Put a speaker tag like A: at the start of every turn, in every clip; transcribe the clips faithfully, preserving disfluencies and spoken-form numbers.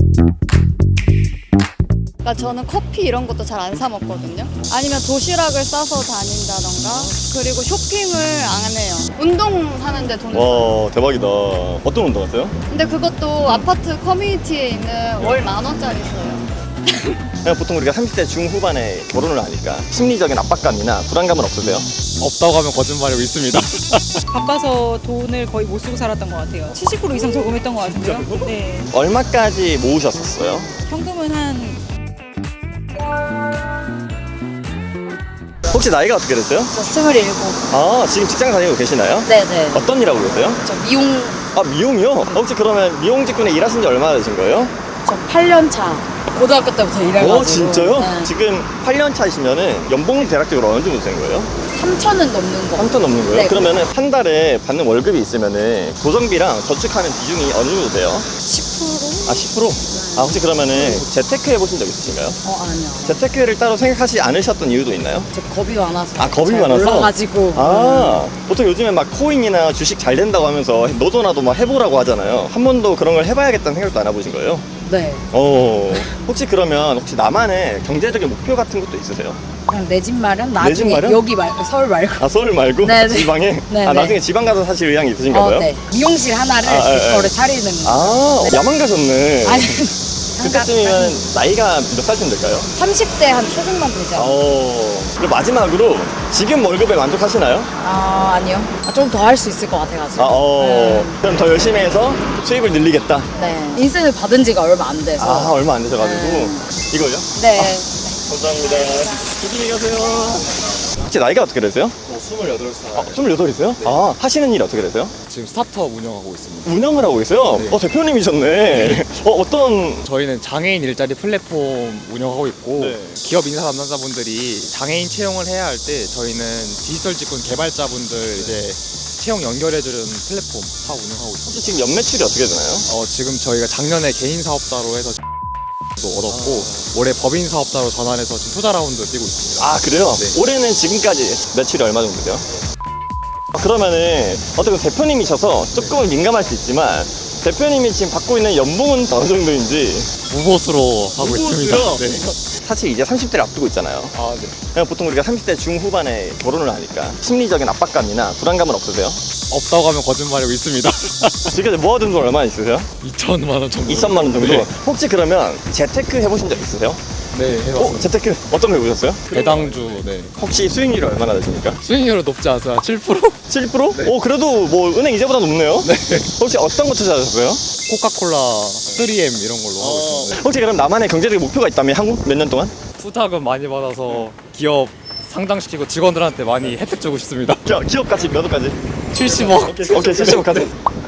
A: 그러니까 저는 커피 이런 것도 잘 안 사 먹거든요. 아니면 도시락을 싸서 다닌다던가, 그리고 쇼핑을 안 해요. 운동하는데 돈을 써요.
B: 와 대박이다. 어떤 운동 하세요?
A: 근데 그것도 아파트 커뮤니티에 있는 월 만 원짜리 써요.
B: 그냥 보통 우리가 삼십 대 중후반에 결혼을 하니까 심리적인 압박감이나 불안감은 없으세요?
C: 없다고 하면 거짓말이고 있습니다.
D: 바빠서 돈을 거의 못 쓰고 살았던 것 같아요. 칠십 퍼센트 이상 저금했던 것 같은데요. 네.
B: 얼마까지 모으셨었어요?
D: 현금은 한
B: 혹시 나이가 어떻게 되세요?
E: 저 스물일곱.
B: 아 지금 직장 다니고 계시나요?
E: 네네.
B: 어떤 일 하고 계세요?
E: 저 미용,
B: 아 미용이요? 혹시 그러면 미용 직군에 일하신 지 얼마나 되신 거예요?
E: 저 팔 년 차. 고등학교 때부터 일해가지고.
B: 오 진짜요?
E: 네.
B: 지금 팔 년 차이시면은 연봉이 대략적으로 어느 정도 되는 거예요?
E: 삼천은 넘는 거.
B: 삼천 넘는 거예요?
E: 네.
B: 그러면은 한 달에 받는 월급이 있으면은 고정비랑 저축하는 비중이 어느 정도 돼요?
E: 십 퍼센트?
B: 아 십 퍼센트? 아 혹시 그러면은 재테크 해보신 적 있으신가요?
E: 어, 아니요.
B: 재테크를 따로 생각하지 않으셨던 이유도 있나요?
E: 저 겁이 많아서.
B: 아 겁이
E: 잘
B: 많아서?
E: 몰라가지고.
B: 아 보통 요즘에 막 코인이나 주식 잘 된다고 하면서 너도 나도 막 해보라고 하잖아요. 한 번도 그런 걸 해봐야겠다는 생각도 안 해보신 거예요?
E: 네.
B: 어 혹시 그러면 혹시 나만의 경제적인 목표 같은 것도 있으세요?
E: 그냥 내 집 마련?
B: 집
E: 나중에
B: 마련?
E: 여기 말고 서울 말고.
B: 아 서울 말고
E: 네네.
B: 지방에?
E: 네네.
B: 아 나중에 지방 가서 사실 의향이 있으신가
E: 어,
B: 봐요?
E: 네. 미용실 하나를
B: 아,
E: 제
B: 예,
E: 거를
B: 예.
E: 차리는 거.
B: 아
E: 네.
B: 야만 가셨네.
E: 아니.
B: 그때쯤이면 나이가 몇 살쯤 될까요?
E: 삼십 대 한 초중반 되죠.
B: 어 그리고 마지막으로 지금 월급에 만족하시나요?
E: 아, 아니요. 아, 좀 더 할 수 있을 것 같아가지고.
B: 아, 어
E: 네.
B: 그럼 더 열심히 해서 수입을 늘리겠다.
E: 네. 인센을 받은 지가 얼마 안 돼서.
B: 아 얼마 안 되셔가지고
E: 네.
B: 이거요?
E: 네.
B: 감사합니다. 조심히 가세요. 혹시 나이가 어떻게 되세요?
C: 스물여덟 살.
B: 아, 스물여덟이세요? 아, 하시는 일이 어떻게 되세요?
C: 지금 스타트업 운영하고 있습니다.
B: 운영을 하고 계세요?
C: 네.
B: 어, 대표님이셨네. 어, 어떤.
C: 저희는 장애인 일자리 플랫폼 운영하고 있고
B: 네.
C: 기업 인사 담당자분들이 장애인 채용을 해야 할 때 저희는 디지털 직군 개발자분들 이제 채용 연결해주는 플랫폼 사업 운영하고 있습니다.
B: 혹시 지금 연매출이 어떻게 되나요?
C: 어, 지금 저희가 작년에 개인 사업자로 해서 도 얻었고 올해 법인 사업자로 전환해서 지금 투자 라운드 뛰고 있습니다.
B: 아, 그래요?
C: 네.
B: 올해는 지금까지 매출이 얼마 정도 돼요? 아, 그러면은 어떻게 대표님이셔서 조금은 민감할 수 있지만 대표님이 지금 받고 있는 연봉은 어느 정도인지.
C: 무보수로 하고 있습니다.
B: 무보수요?
C: 네.
B: 사실 이제 삼십 대를 앞두고 있잖아요.
C: 아, 네.
B: 그냥 보통 우리가 삼십 대 중후반에 결혼을 하니까 심리적인 압박감이나 불안감은 없으세요?
C: 없다고 하면 거짓말이고 있습니다.
B: 지금까지 모아둔 돈 얼마 있으세요?
C: 이천만 원 정도.
B: 이천만 원 정도?
C: 네,
B: 혹시 그러면 재테크 해보신 적 있으세요?
C: 네
B: 어?
C: 해봤습니다.
B: 재테크 어떤 거 해보셨어요?
C: 배당주, 네.
B: 혹시 수익률이 얼마나 되십니까?
C: 수익률은 높지 않아요. 칠 퍼센트?
B: 칠 퍼센트?
C: 네.
B: 오 그래도 뭐 은행 이자보다 높네요?
C: 네.
B: 혹시 어떤 거 투자하셨어요?
C: 코카콜라, 쓰리엠 이런 걸로 하고 있습니다.
B: 혹시 그럼 나만의 경제적인 목표가 있다면 한국 몇 년 동안?
C: 투자금 많이 받아서 기업 상장시키고 직원들한테 많이 혜택 주고 싶습니다.
B: 기- 기업까지 몇 억까지?
C: 칠십억.
B: 오케이 칠십억까지.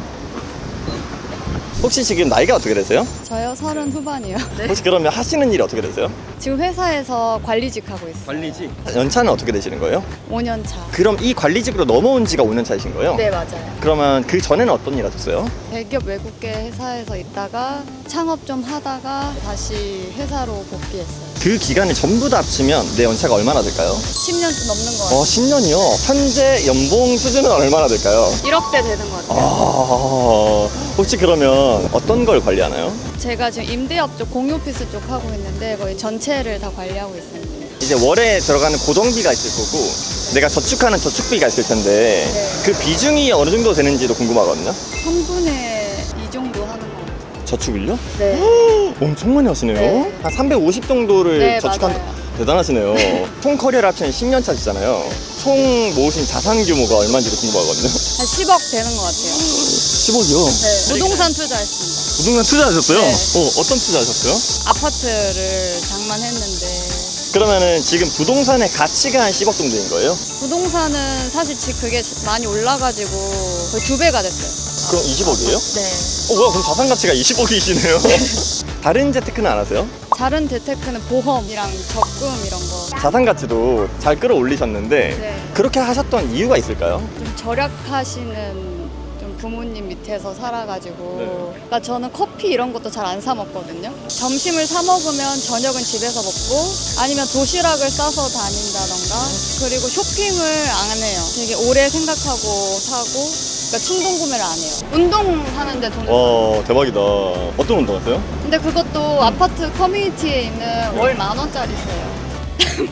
B: 혹시 지금 나이가 어떻게 되세요?
A: 저요? 서른 후반이요.
B: 혹시 그러면 하시는 일이 어떻게 되세요?
A: 지금 회사에서 관리직 하고 있어요.
B: 관리직. 연차는 어떻게 되시는 거예요?
A: 오 년 차.
B: 그럼 이 관리직으로 넘어온 지가 오 년 차이신 거예요?
A: 네, 맞아요.
B: 그러면 그 전에는 어떤 일 하셨어요?
A: 대기업 외국계 회사에서 있다가 창업 좀 하다가 다시 회사로 복귀했어요.
B: 그 기간을 전부 다 합치면 내 연차가 얼마나 될까요?
A: 십 년 좀 넘는 것 같아요.
B: 어, 십 년이요? 현재 연봉 수준은 얼마나 될까요?
A: 일억대 되는 것 같아요.
B: 아, 혹시 그러면 어떤 걸 관리하나요?
A: 제가 지금 임대업 쪽, 공유 오피스 쪽 하고 있는데 거의 전체를 다 관리하고 있습니다.
B: 이제 월에 들어가는 고정비가 있을 거고 내가 저축하는 저축비가 있을 텐데
A: 네.
B: 그 비중이 어느 정도 되는지도 궁금하거든요.
A: 삼분의 이 정도 하는 것 같아요.
B: 저축을요?
A: 네.
B: 엄청 많이 하시네요.
A: 네.
B: 한 삼백오십 정도를
A: 네,
B: 저축한
A: 맞아요.
B: 대단하시네요. 총 커리어를 합치면 십 년 차시잖아요. 총 모으신 자산 규모가 얼마인지도 궁금하거든요.
A: 한 십억 되는 것 같아요.
B: 십억이요?
A: 네. 부동산 투자했습니다.
B: 부동산 투자하셨어요?
A: 네.
B: 어, 어떤 투자하셨어요?
A: 아파트를 장만했는데
B: 그러면은 지금 부동산의 가치가 한 십억 정도인 거예요?
A: 부동산은 사실 지금 그게 많이 올라가지고 거의 두 배가 됐어요.
B: 그럼 이십억이에요?
A: 네.
B: 어, 뭐야, 그럼 자산 가치가 이십억이시네요. 다른 재테크는 안 하세요?
A: 다른 재테크는 보험이랑 적금 이런 거.
B: 자산 가치도 잘 끌어올리셨는데
A: 네.
B: 그렇게 하셨던 이유가 있을까요?
A: 좀 절약하시는 좀 부모님 밑에서 살아가지고.
B: 네.
A: 그러니까 저는 커피 이런 것도 잘 안 사 먹거든요. 점심을 사 먹으면 저녁은 집에서 먹고 아니면 도시락을 싸서 다닌다던가 그리고 쇼핑을 안 해요. 되게 오래 생각하고 사고 그러니까 충동 구매를 안 해요. 운동하는데 돈을
B: 와 대박이다. 어떤 운동하세요?
A: 근데 그것도 아파트 커뮤니티에 있는 월 만 원짜리 써요.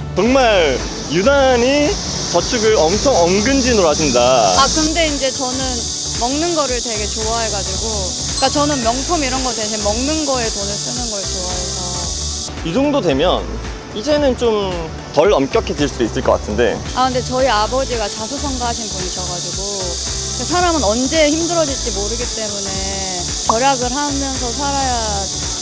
B: 정말 유난히 저축을 엄청 엄근진으로 하신다.
A: 아 근데 이제 저는 먹는 거를 되게 좋아해가지고 그러니까 저는 명품 이런 거 대신 먹는 거에 돈을 쓰는 걸 좋아해서
B: 이 정도 되면 이제는 좀 덜 엄격해질 수 있을 것 같은데.
A: 아 근데 저희 아버지가 자수성가하신 분이셔가지고 사람은 언제 힘들어질지 모르기 때문에 절약을 하면서 살아야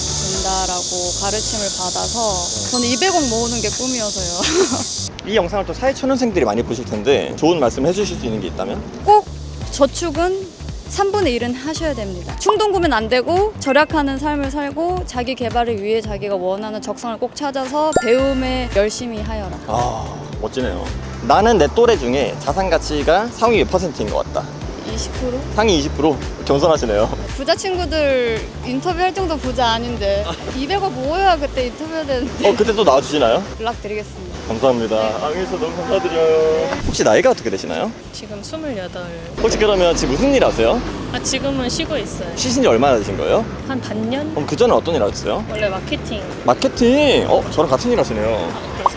A: 된다라고 가르침을 받아서 저는 이백억 모으는 게 꿈이어서요.
B: 이 영상을 또 사회초년생들이 많이 보실 텐데 좋은 말씀 해주실 수 있는 게 있다면?
A: 꼭 저축은 삼분의 일은 하셔야 됩니다. 충동 구매는 안 되고 절약하는 삶을 살고 자기 개발을 위해 자기가 원하는 적성을 꼭 찾아서 배움에 열심히 하여라.
B: 아 멋지네요. 나는 내 또래 중에 자산 가치가 상위 몇 퍼센트인 것 같다.
A: 이십 퍼센트?
B: 상위 이십 퍼센트? 겸손하시네요.
A: 부자 친구들 인터뷰할 정도 부자 아닌데 이백억 모여야 그때 인터뷰해야 되는데
B: 어 그때 또 나와주시나요?
A: 연락드리겠습니다.
B: 감사합니다. 앙에서 너무 감사드려요. 혹시 나이가 어떻게 되시나요?
F: 지금 스물여덟.
B: 혹시 그러면 지금 무슨 일 하세요?
F: 아, 지금은 쉬고 있어요.
B: 쉬신 지 얼마나 되신 거예요?
F: 한 반년?
B: 그럼 그 전에 어떤 일 하셨어요?
F: 원래 마케팅.
B: 마케팅! 어? 저랑 같은 일 하시네요.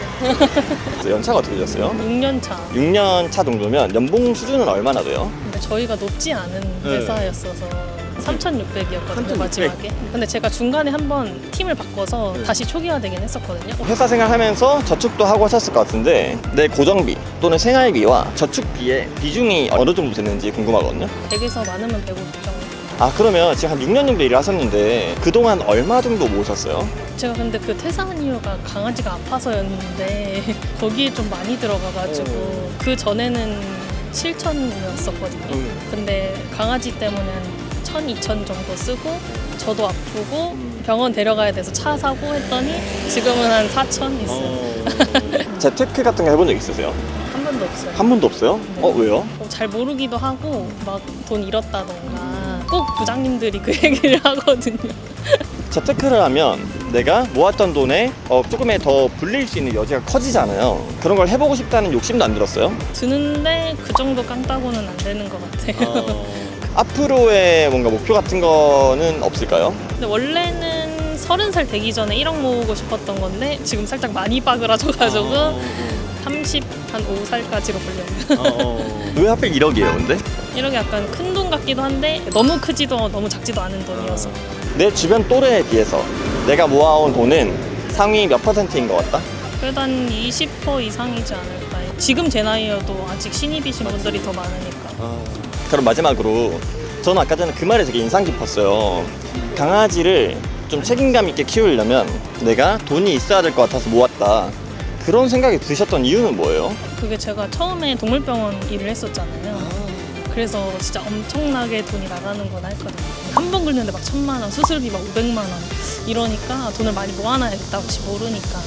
F: 그래서
B: 연차가 어떻게 되셨어요?
F: 육 년 차.
B: 육 년 차 정도면 연봉 수준은 얼마나 돼요?
F: 근데 저희가 높지 않은
B: 네.
F: 회사였어서 삼천육백이었거든요,
B: 삼천육백.
F: 마지막에. 근데 제가 중간에 한번 팀을 바꿔서
B: 네.
F: 다시 초기화되긴 했었거든요.
B: 회사 생활하면서 저축도 하고 하셨을 것 같은데 내 고정비 또는 생활비와 저축비의 비중이 어느 정도 되는지 궁금하거든요.
F: 백에서 많으면 백오십 정도.
B: 아 그러면 지금 한 육 년 정도 일을 하셨는데 그동안 얼마 정도 모으셨어요?
F: 제가 근데 그 퇴사한 이유가 강아지가 아파서였는데 거기에 좀 많이 들어가가지고
B: 오.
F: 그 전에는 칠천이었었거든요.
B: 음.
F: 근데 강아지 때문에 한 천, 이천 정도 쓰고 저도 아프고
B: 음.
F: 병원 데려가야 돼서 차 사고 했더니 지금은 한 사천 있어요.
B: 재테크 같은 거 해본 적 있으세요?
F: 한 번도 없어요.
B: 한 번도 없어요? 어 왜요?
F: 어, 잘 모르기도 하고 막 돈 잃었다던가 꼭 부장님들이 그 얘기를 하거든요.
B: 재테크를 하면 내가 모았던 돈에 어, 조금의 더 불릴 수 있는 여지가 커지잖아요. 그런 걸 해보고 싶다는 욕심도 안 들었어요?
F: 드는데 그 정도 깡따고는 안 되는 것 같아요.
B: 앞으로의 뭔가 목표 같은 거는 없을까요?
F: 근데 원래는 서른 살 되기 전에 일억 모으고 싶었던 건데 지금 살짝 많이 빠그라져가지고 삼십, 한 오 살까지로 보려고요.
B: 왜 하필 일억이에요 근데?
F: 일억이 약간 큰 돈 같기도 한데 너무 크지도 너무 작지도 않은 돈이어서
B: 내 주변 또래에 비해서 내가 모아온 돈은 상위 몇 퍼센트인 것 같다?
F: 그래도 한 이십 퍼센트 이상이지 않을까요? 지금 제 나이여도 아직 신입이신 분들이 더 많으니까.
B: 그럼 마지막으로 저는 아까 전에 그 말이 되게 인상 깊었어요. 강아지를 좀 책임감 있게 키우려면 내가 돈이 있어야 될 것 같아서 모았다. 그런 생각이 드셨던 이유는 뭐예요?
F: 그게 제가 처음에 동물병원 일을 했었잖아요. 그래서 진짜 엄청나게 돈이 나가는구나 했거든요. 한 번 긁는데 막 천만 원, 수술비 막 오백만 원 이러니까 돈을 많이 모아놔야겠다 혹시 모르니까.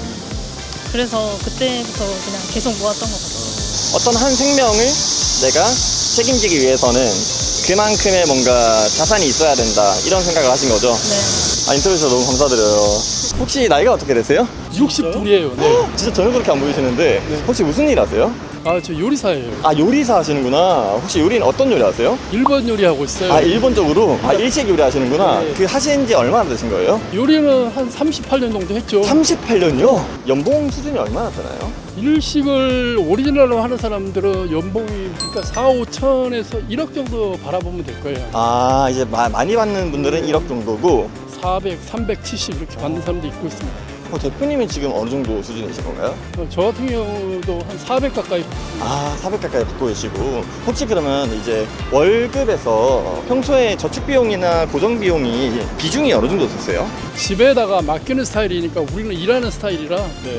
F: 그래서 그때부터 그냥 계속 모았던 것 같아요.
B: 어떤 한 생명을 내가 책임지기 위해서는 그만큼의 뭔가 자산이 있어야 된다 이런 생각을 하신 거죠?
F: 네.
B: 아, 인터뷰 주셔서 너무 감사드려요. 혹시 나이가 어떻게 되세요?
G: 육십이에요. 네.
B: 진짜 전혀 그렇게 안 보이시는데 혹시 무슨 일 하세요?
G: 아, 저 요리사예요.
B: 아 요리사 하시는구나. 혹시 요리는 어떤 요리 하세요?
G: 일본 요리하고 있어요.
B: 아 일본적으로? 아 일식 요리 하시는구나.
G: 네.
B: 그 하신 지 얼마나 되신 거예요?
G: 요리는 한 삼십팔 년 정도 했죠.
B: 삼십팔 년요? 연봉 수준이 얼마나 되나요?
G: 일식을 오리지널로 하는 사람들은 연봉이 그러니까 사, 오천에서 일억 정도 바라보면 될 거예요.
B: 아 이제 마, 많이 받는 분들은 일억 정도고
G: 사백, 삼백칠십 이렇게 받는 사람도 있고 있습니다.
B: 어, 대표님은 지금 어느 정도 수준이신 건가요?
G: 어, 저 같은 경우도 한 사백 가까이
B: 아 사백 가까이 받고 계시고 혹시 그러면 이제 월급에서 평소에 저축 비용이나 고정 비용이 비중이 어느 정도 되세요?
G: 집에다가 맡기는 스타일이니까 우리는 일하는 스타일이라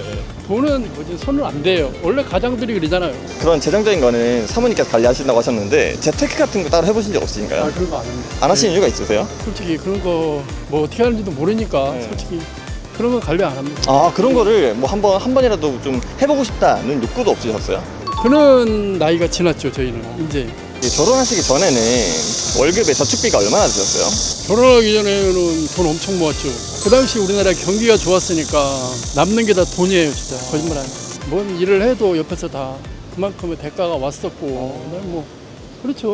G: 돈은 뭐지 손을 안 대요. 원래 가장들이 그러잖아요.
B: 그런 재정적인 거는 사모님께서 관리하신다고 하셨는데 재테크 같은 거 따로 해보신 적 없으신가요?
G: 아, 그런 거 안 합니다.
B: 안 하시는 이유가 있으세요?
G: 솔직히 그런 거 뭐 어떻게 하는지도 모르니까
B: 네.
G: 솔직히 그런 건 관리 안 합니다.
B: 아 그런 거를 뭐 한 번 한 번이라도 좀 해보고 싶다는 욕구도 없으셨어요?
G: 그런 나이가 지났죠 저희는 이제.
B: 예, 결혼하시기 전에는 월급에 저축비가 얼마나 드셨어요?
G: 결혼하기 전에는 돈 엄청 모았죠. 그 당시 우리나라 경기가 좋았으니까 남는 게 다 돈이에요 진짜. 거짓말 안 해요. 뭔 일을 해도 옆에서 다 그만큼의 대가가 왔었고 그다음에 뭐 그렇죠.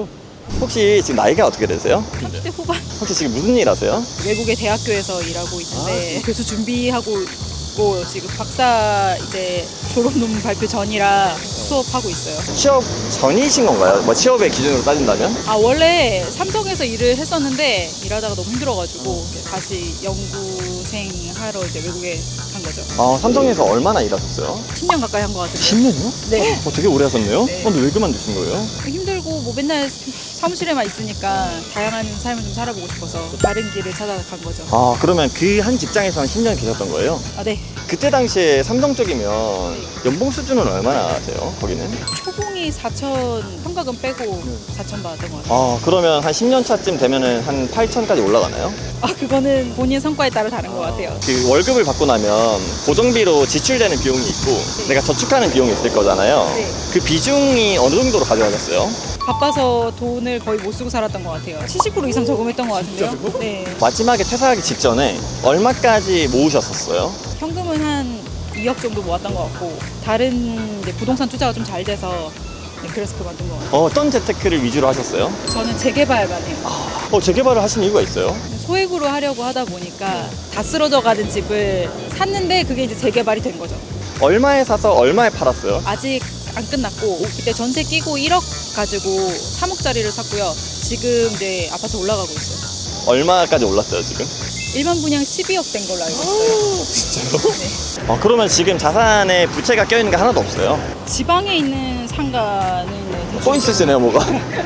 B: 혹시 지금 나이가 어떻게 되세요?
D: 삼십 대 후반
B: 혹시 지금 무슨 일 하세요?
D: 외국의 대학교에서 일하고 있는데 교수 준비하고 있고 지금 박사 이제 졸업 논문 발표 전이라 수업하고 있어요.
B: 취업 전이신 건가요? 뭐 취업의 기준으로 따진다면?
D: 아 원래 삼성에서 일을 했었는데 일하다가 너무 힘들어가지고 다시 연구생 하러 이제 외국에 간 거죠.
B: 아, 삼성에서 얼마나 일하셨어요?
D: 십 년 가까이 한 것 같은데.
B: 십 년이요?
D: 네.
B: 어, 되게 오래 하셨네요?
D: 네.
B: 어, 근데 왜 그만두신 거예요?
D: 힘들고 뭐 맨날 사무실에만 있으니까 다양한 삶을 좀 살아보고 싶어서 또 다른 길을 찾아간 거죠.
B: 아, 그러면 그 한 직장에서 한 십 년 계셨던 거예요?
D: 아 네.
B: 그때 당시에 삼성 쪽이면 연봉 수준은 얼마나 돼요? 거기는?
D: 초봉이 사천, 평가금 빼고 사천 받았던 것 같아요.
B: 아, 그러면 한 십 년 차쯤 되면은 한 팔천까지 올라가나요?
D: 아 그거는 본인 성과에 따라 다른 것 같아요.
B: 그 월급을 받고 나면 고정비로 지출되는 비용이 있고 내가 저축하는 비용이 있을 거잖아요.
D: 네.
B: 그 비중이 어느 정도로 가져가셨어요?
D: 바빠서 돈을 거의 못 쓰고 살았던 것 같아요. 칠십 퍼센트 이상 저금했던 것 같은데요. 네.
B: 마지막에 퇴사하기 직전에 얼마까지 모으셨었어요?
D: 현금은 한 이억 정도 모았던 것 같고 다른 이제 부동산 투자가 좀 잘 돼서 네, 그래서 그만둔 것 같아요.
B: 어떤 재테크를 위주로 하셨어요?
D: 저는 재개발만 해요.
B: 어, 재개발을 하신 이유가 있어요?
D: 소액으로 하려고 하다 보니까 다 쓰러져 가는 집을 샀는데 그게 이제 재개발이 된 거죠.
B: 얼마에 사서 얼마에 팔았어요?
D: 아직 안 끝났고 그때 전세 끼고 일억 가지고 삼억짜리를 샀고요. 지금 이제 아파트 올라가고 있어요.
B: 얼마까지 올랐어요, 지금?
D: 일반 분양 십이억 된 걸로 알고 있어요.
B: 진짜요?
D: 네.
B: 어, 그러면 지금 자산에 부채가 껴있는 게 하나도 없어요?
D: 지방에 있는 상가는 네, 대충
B: 포인트 쓰네요, 뭐가.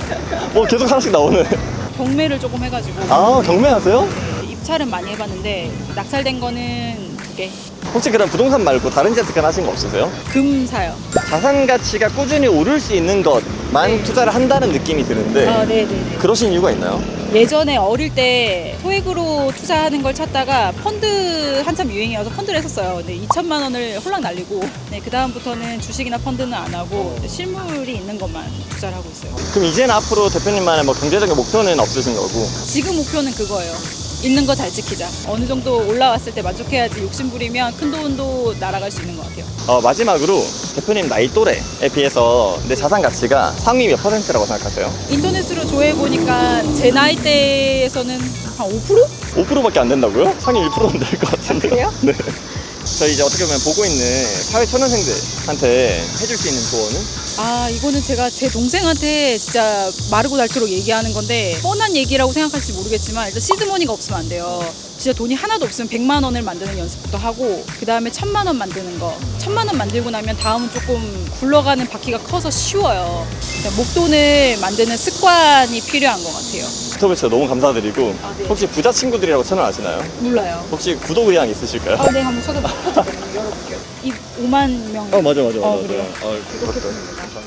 B: 뭐 계속 하나씩 나오네.
D: 경매를 조금 해가지고
B: 아, 경매하세요?
D: 입찰은 많이 해봤는데 낙찰된 거는 두 개.
B: 혹시 그럼 부동산 말고 다른 재테크는 하신 거 없으세요?
D: 금 사요.
B: 자산 가치가 꾸준히 오를 수 있는 것만
D: 네.
B: 투자를 한다는 느낌이 드는데
D: 아, 네네네.
B: 그러신 이유가 있나요?
D: 예전에 어릴 때 소액으로 투자하는 걸 찾다가 펀드 한참 유행이어서 펀드를 했었어요. 근데 이천만 원을 홀랑 날리고 네, 그 다음부터는 주식이나 펀드는 안 하고 실물이 있는 것만 투자를 하고 있어요.
B: 그럼 이제는 앞으로 대표님만의 뭐 경제적인 목표는 없으신 거고
D: 지금 목표는 그거예요. 있는 거 잘 지키자. 어느 정도 올라왔을 때 만족해야지 욕심 부리면 큰 돈도 날아갈 수 있는 것 같아요.
B: 어, 마지막으로 대표님 나이 또래에 비해서 내 자산 가치가 상위 몇 퍼센트라고 생각하세요?
D: 인터넷으로 조회해보니까 제 나이대에서는 한 오 퍼센트?
B: 오 퍼센트밖에 안 된다고요? 상위 일 퍼센트는 될 것 같은데.
D: 아, 그래요?
B: 네. 저희 이제 어떻게 보면 보고 있는 사회 초년생들한테 해줄 수 있는 조언은?
D: 아 이거는 제가 제 동생한테 진짜 마르고 닳도록 얘기하는 건데 뻔한 얘기라고 생각할지 모르겠지만 일단 시드머니가 없으면 안 돼요. 진짜 돈이 하나도 없으면 백만 원을 만드는 연습부터 하고 그 다음에 천만 원 만드는 거 천만 원 만들고 나면 다음은 조금 굴러가는 바퀴가 커서 쉬워요. 그러니까 목돈을 만드는 습관이 필요한 것 같아요.
B: 인터뷰 진짜 너무 감사드리고
D: 아, 네.
B: 혹시 부자 친구들이라고 채널 아시나요?
D: 몰라요.
B: 혹시 구독 의향 있으실까요?
D: 아, 네 한번 찾아볼게요. 열어볼게요. 이 오만 명.
B: 어, 맞아 맞아
D: 어, 그래요?
B: 어, 그렇죠.
D: 구독했습니다.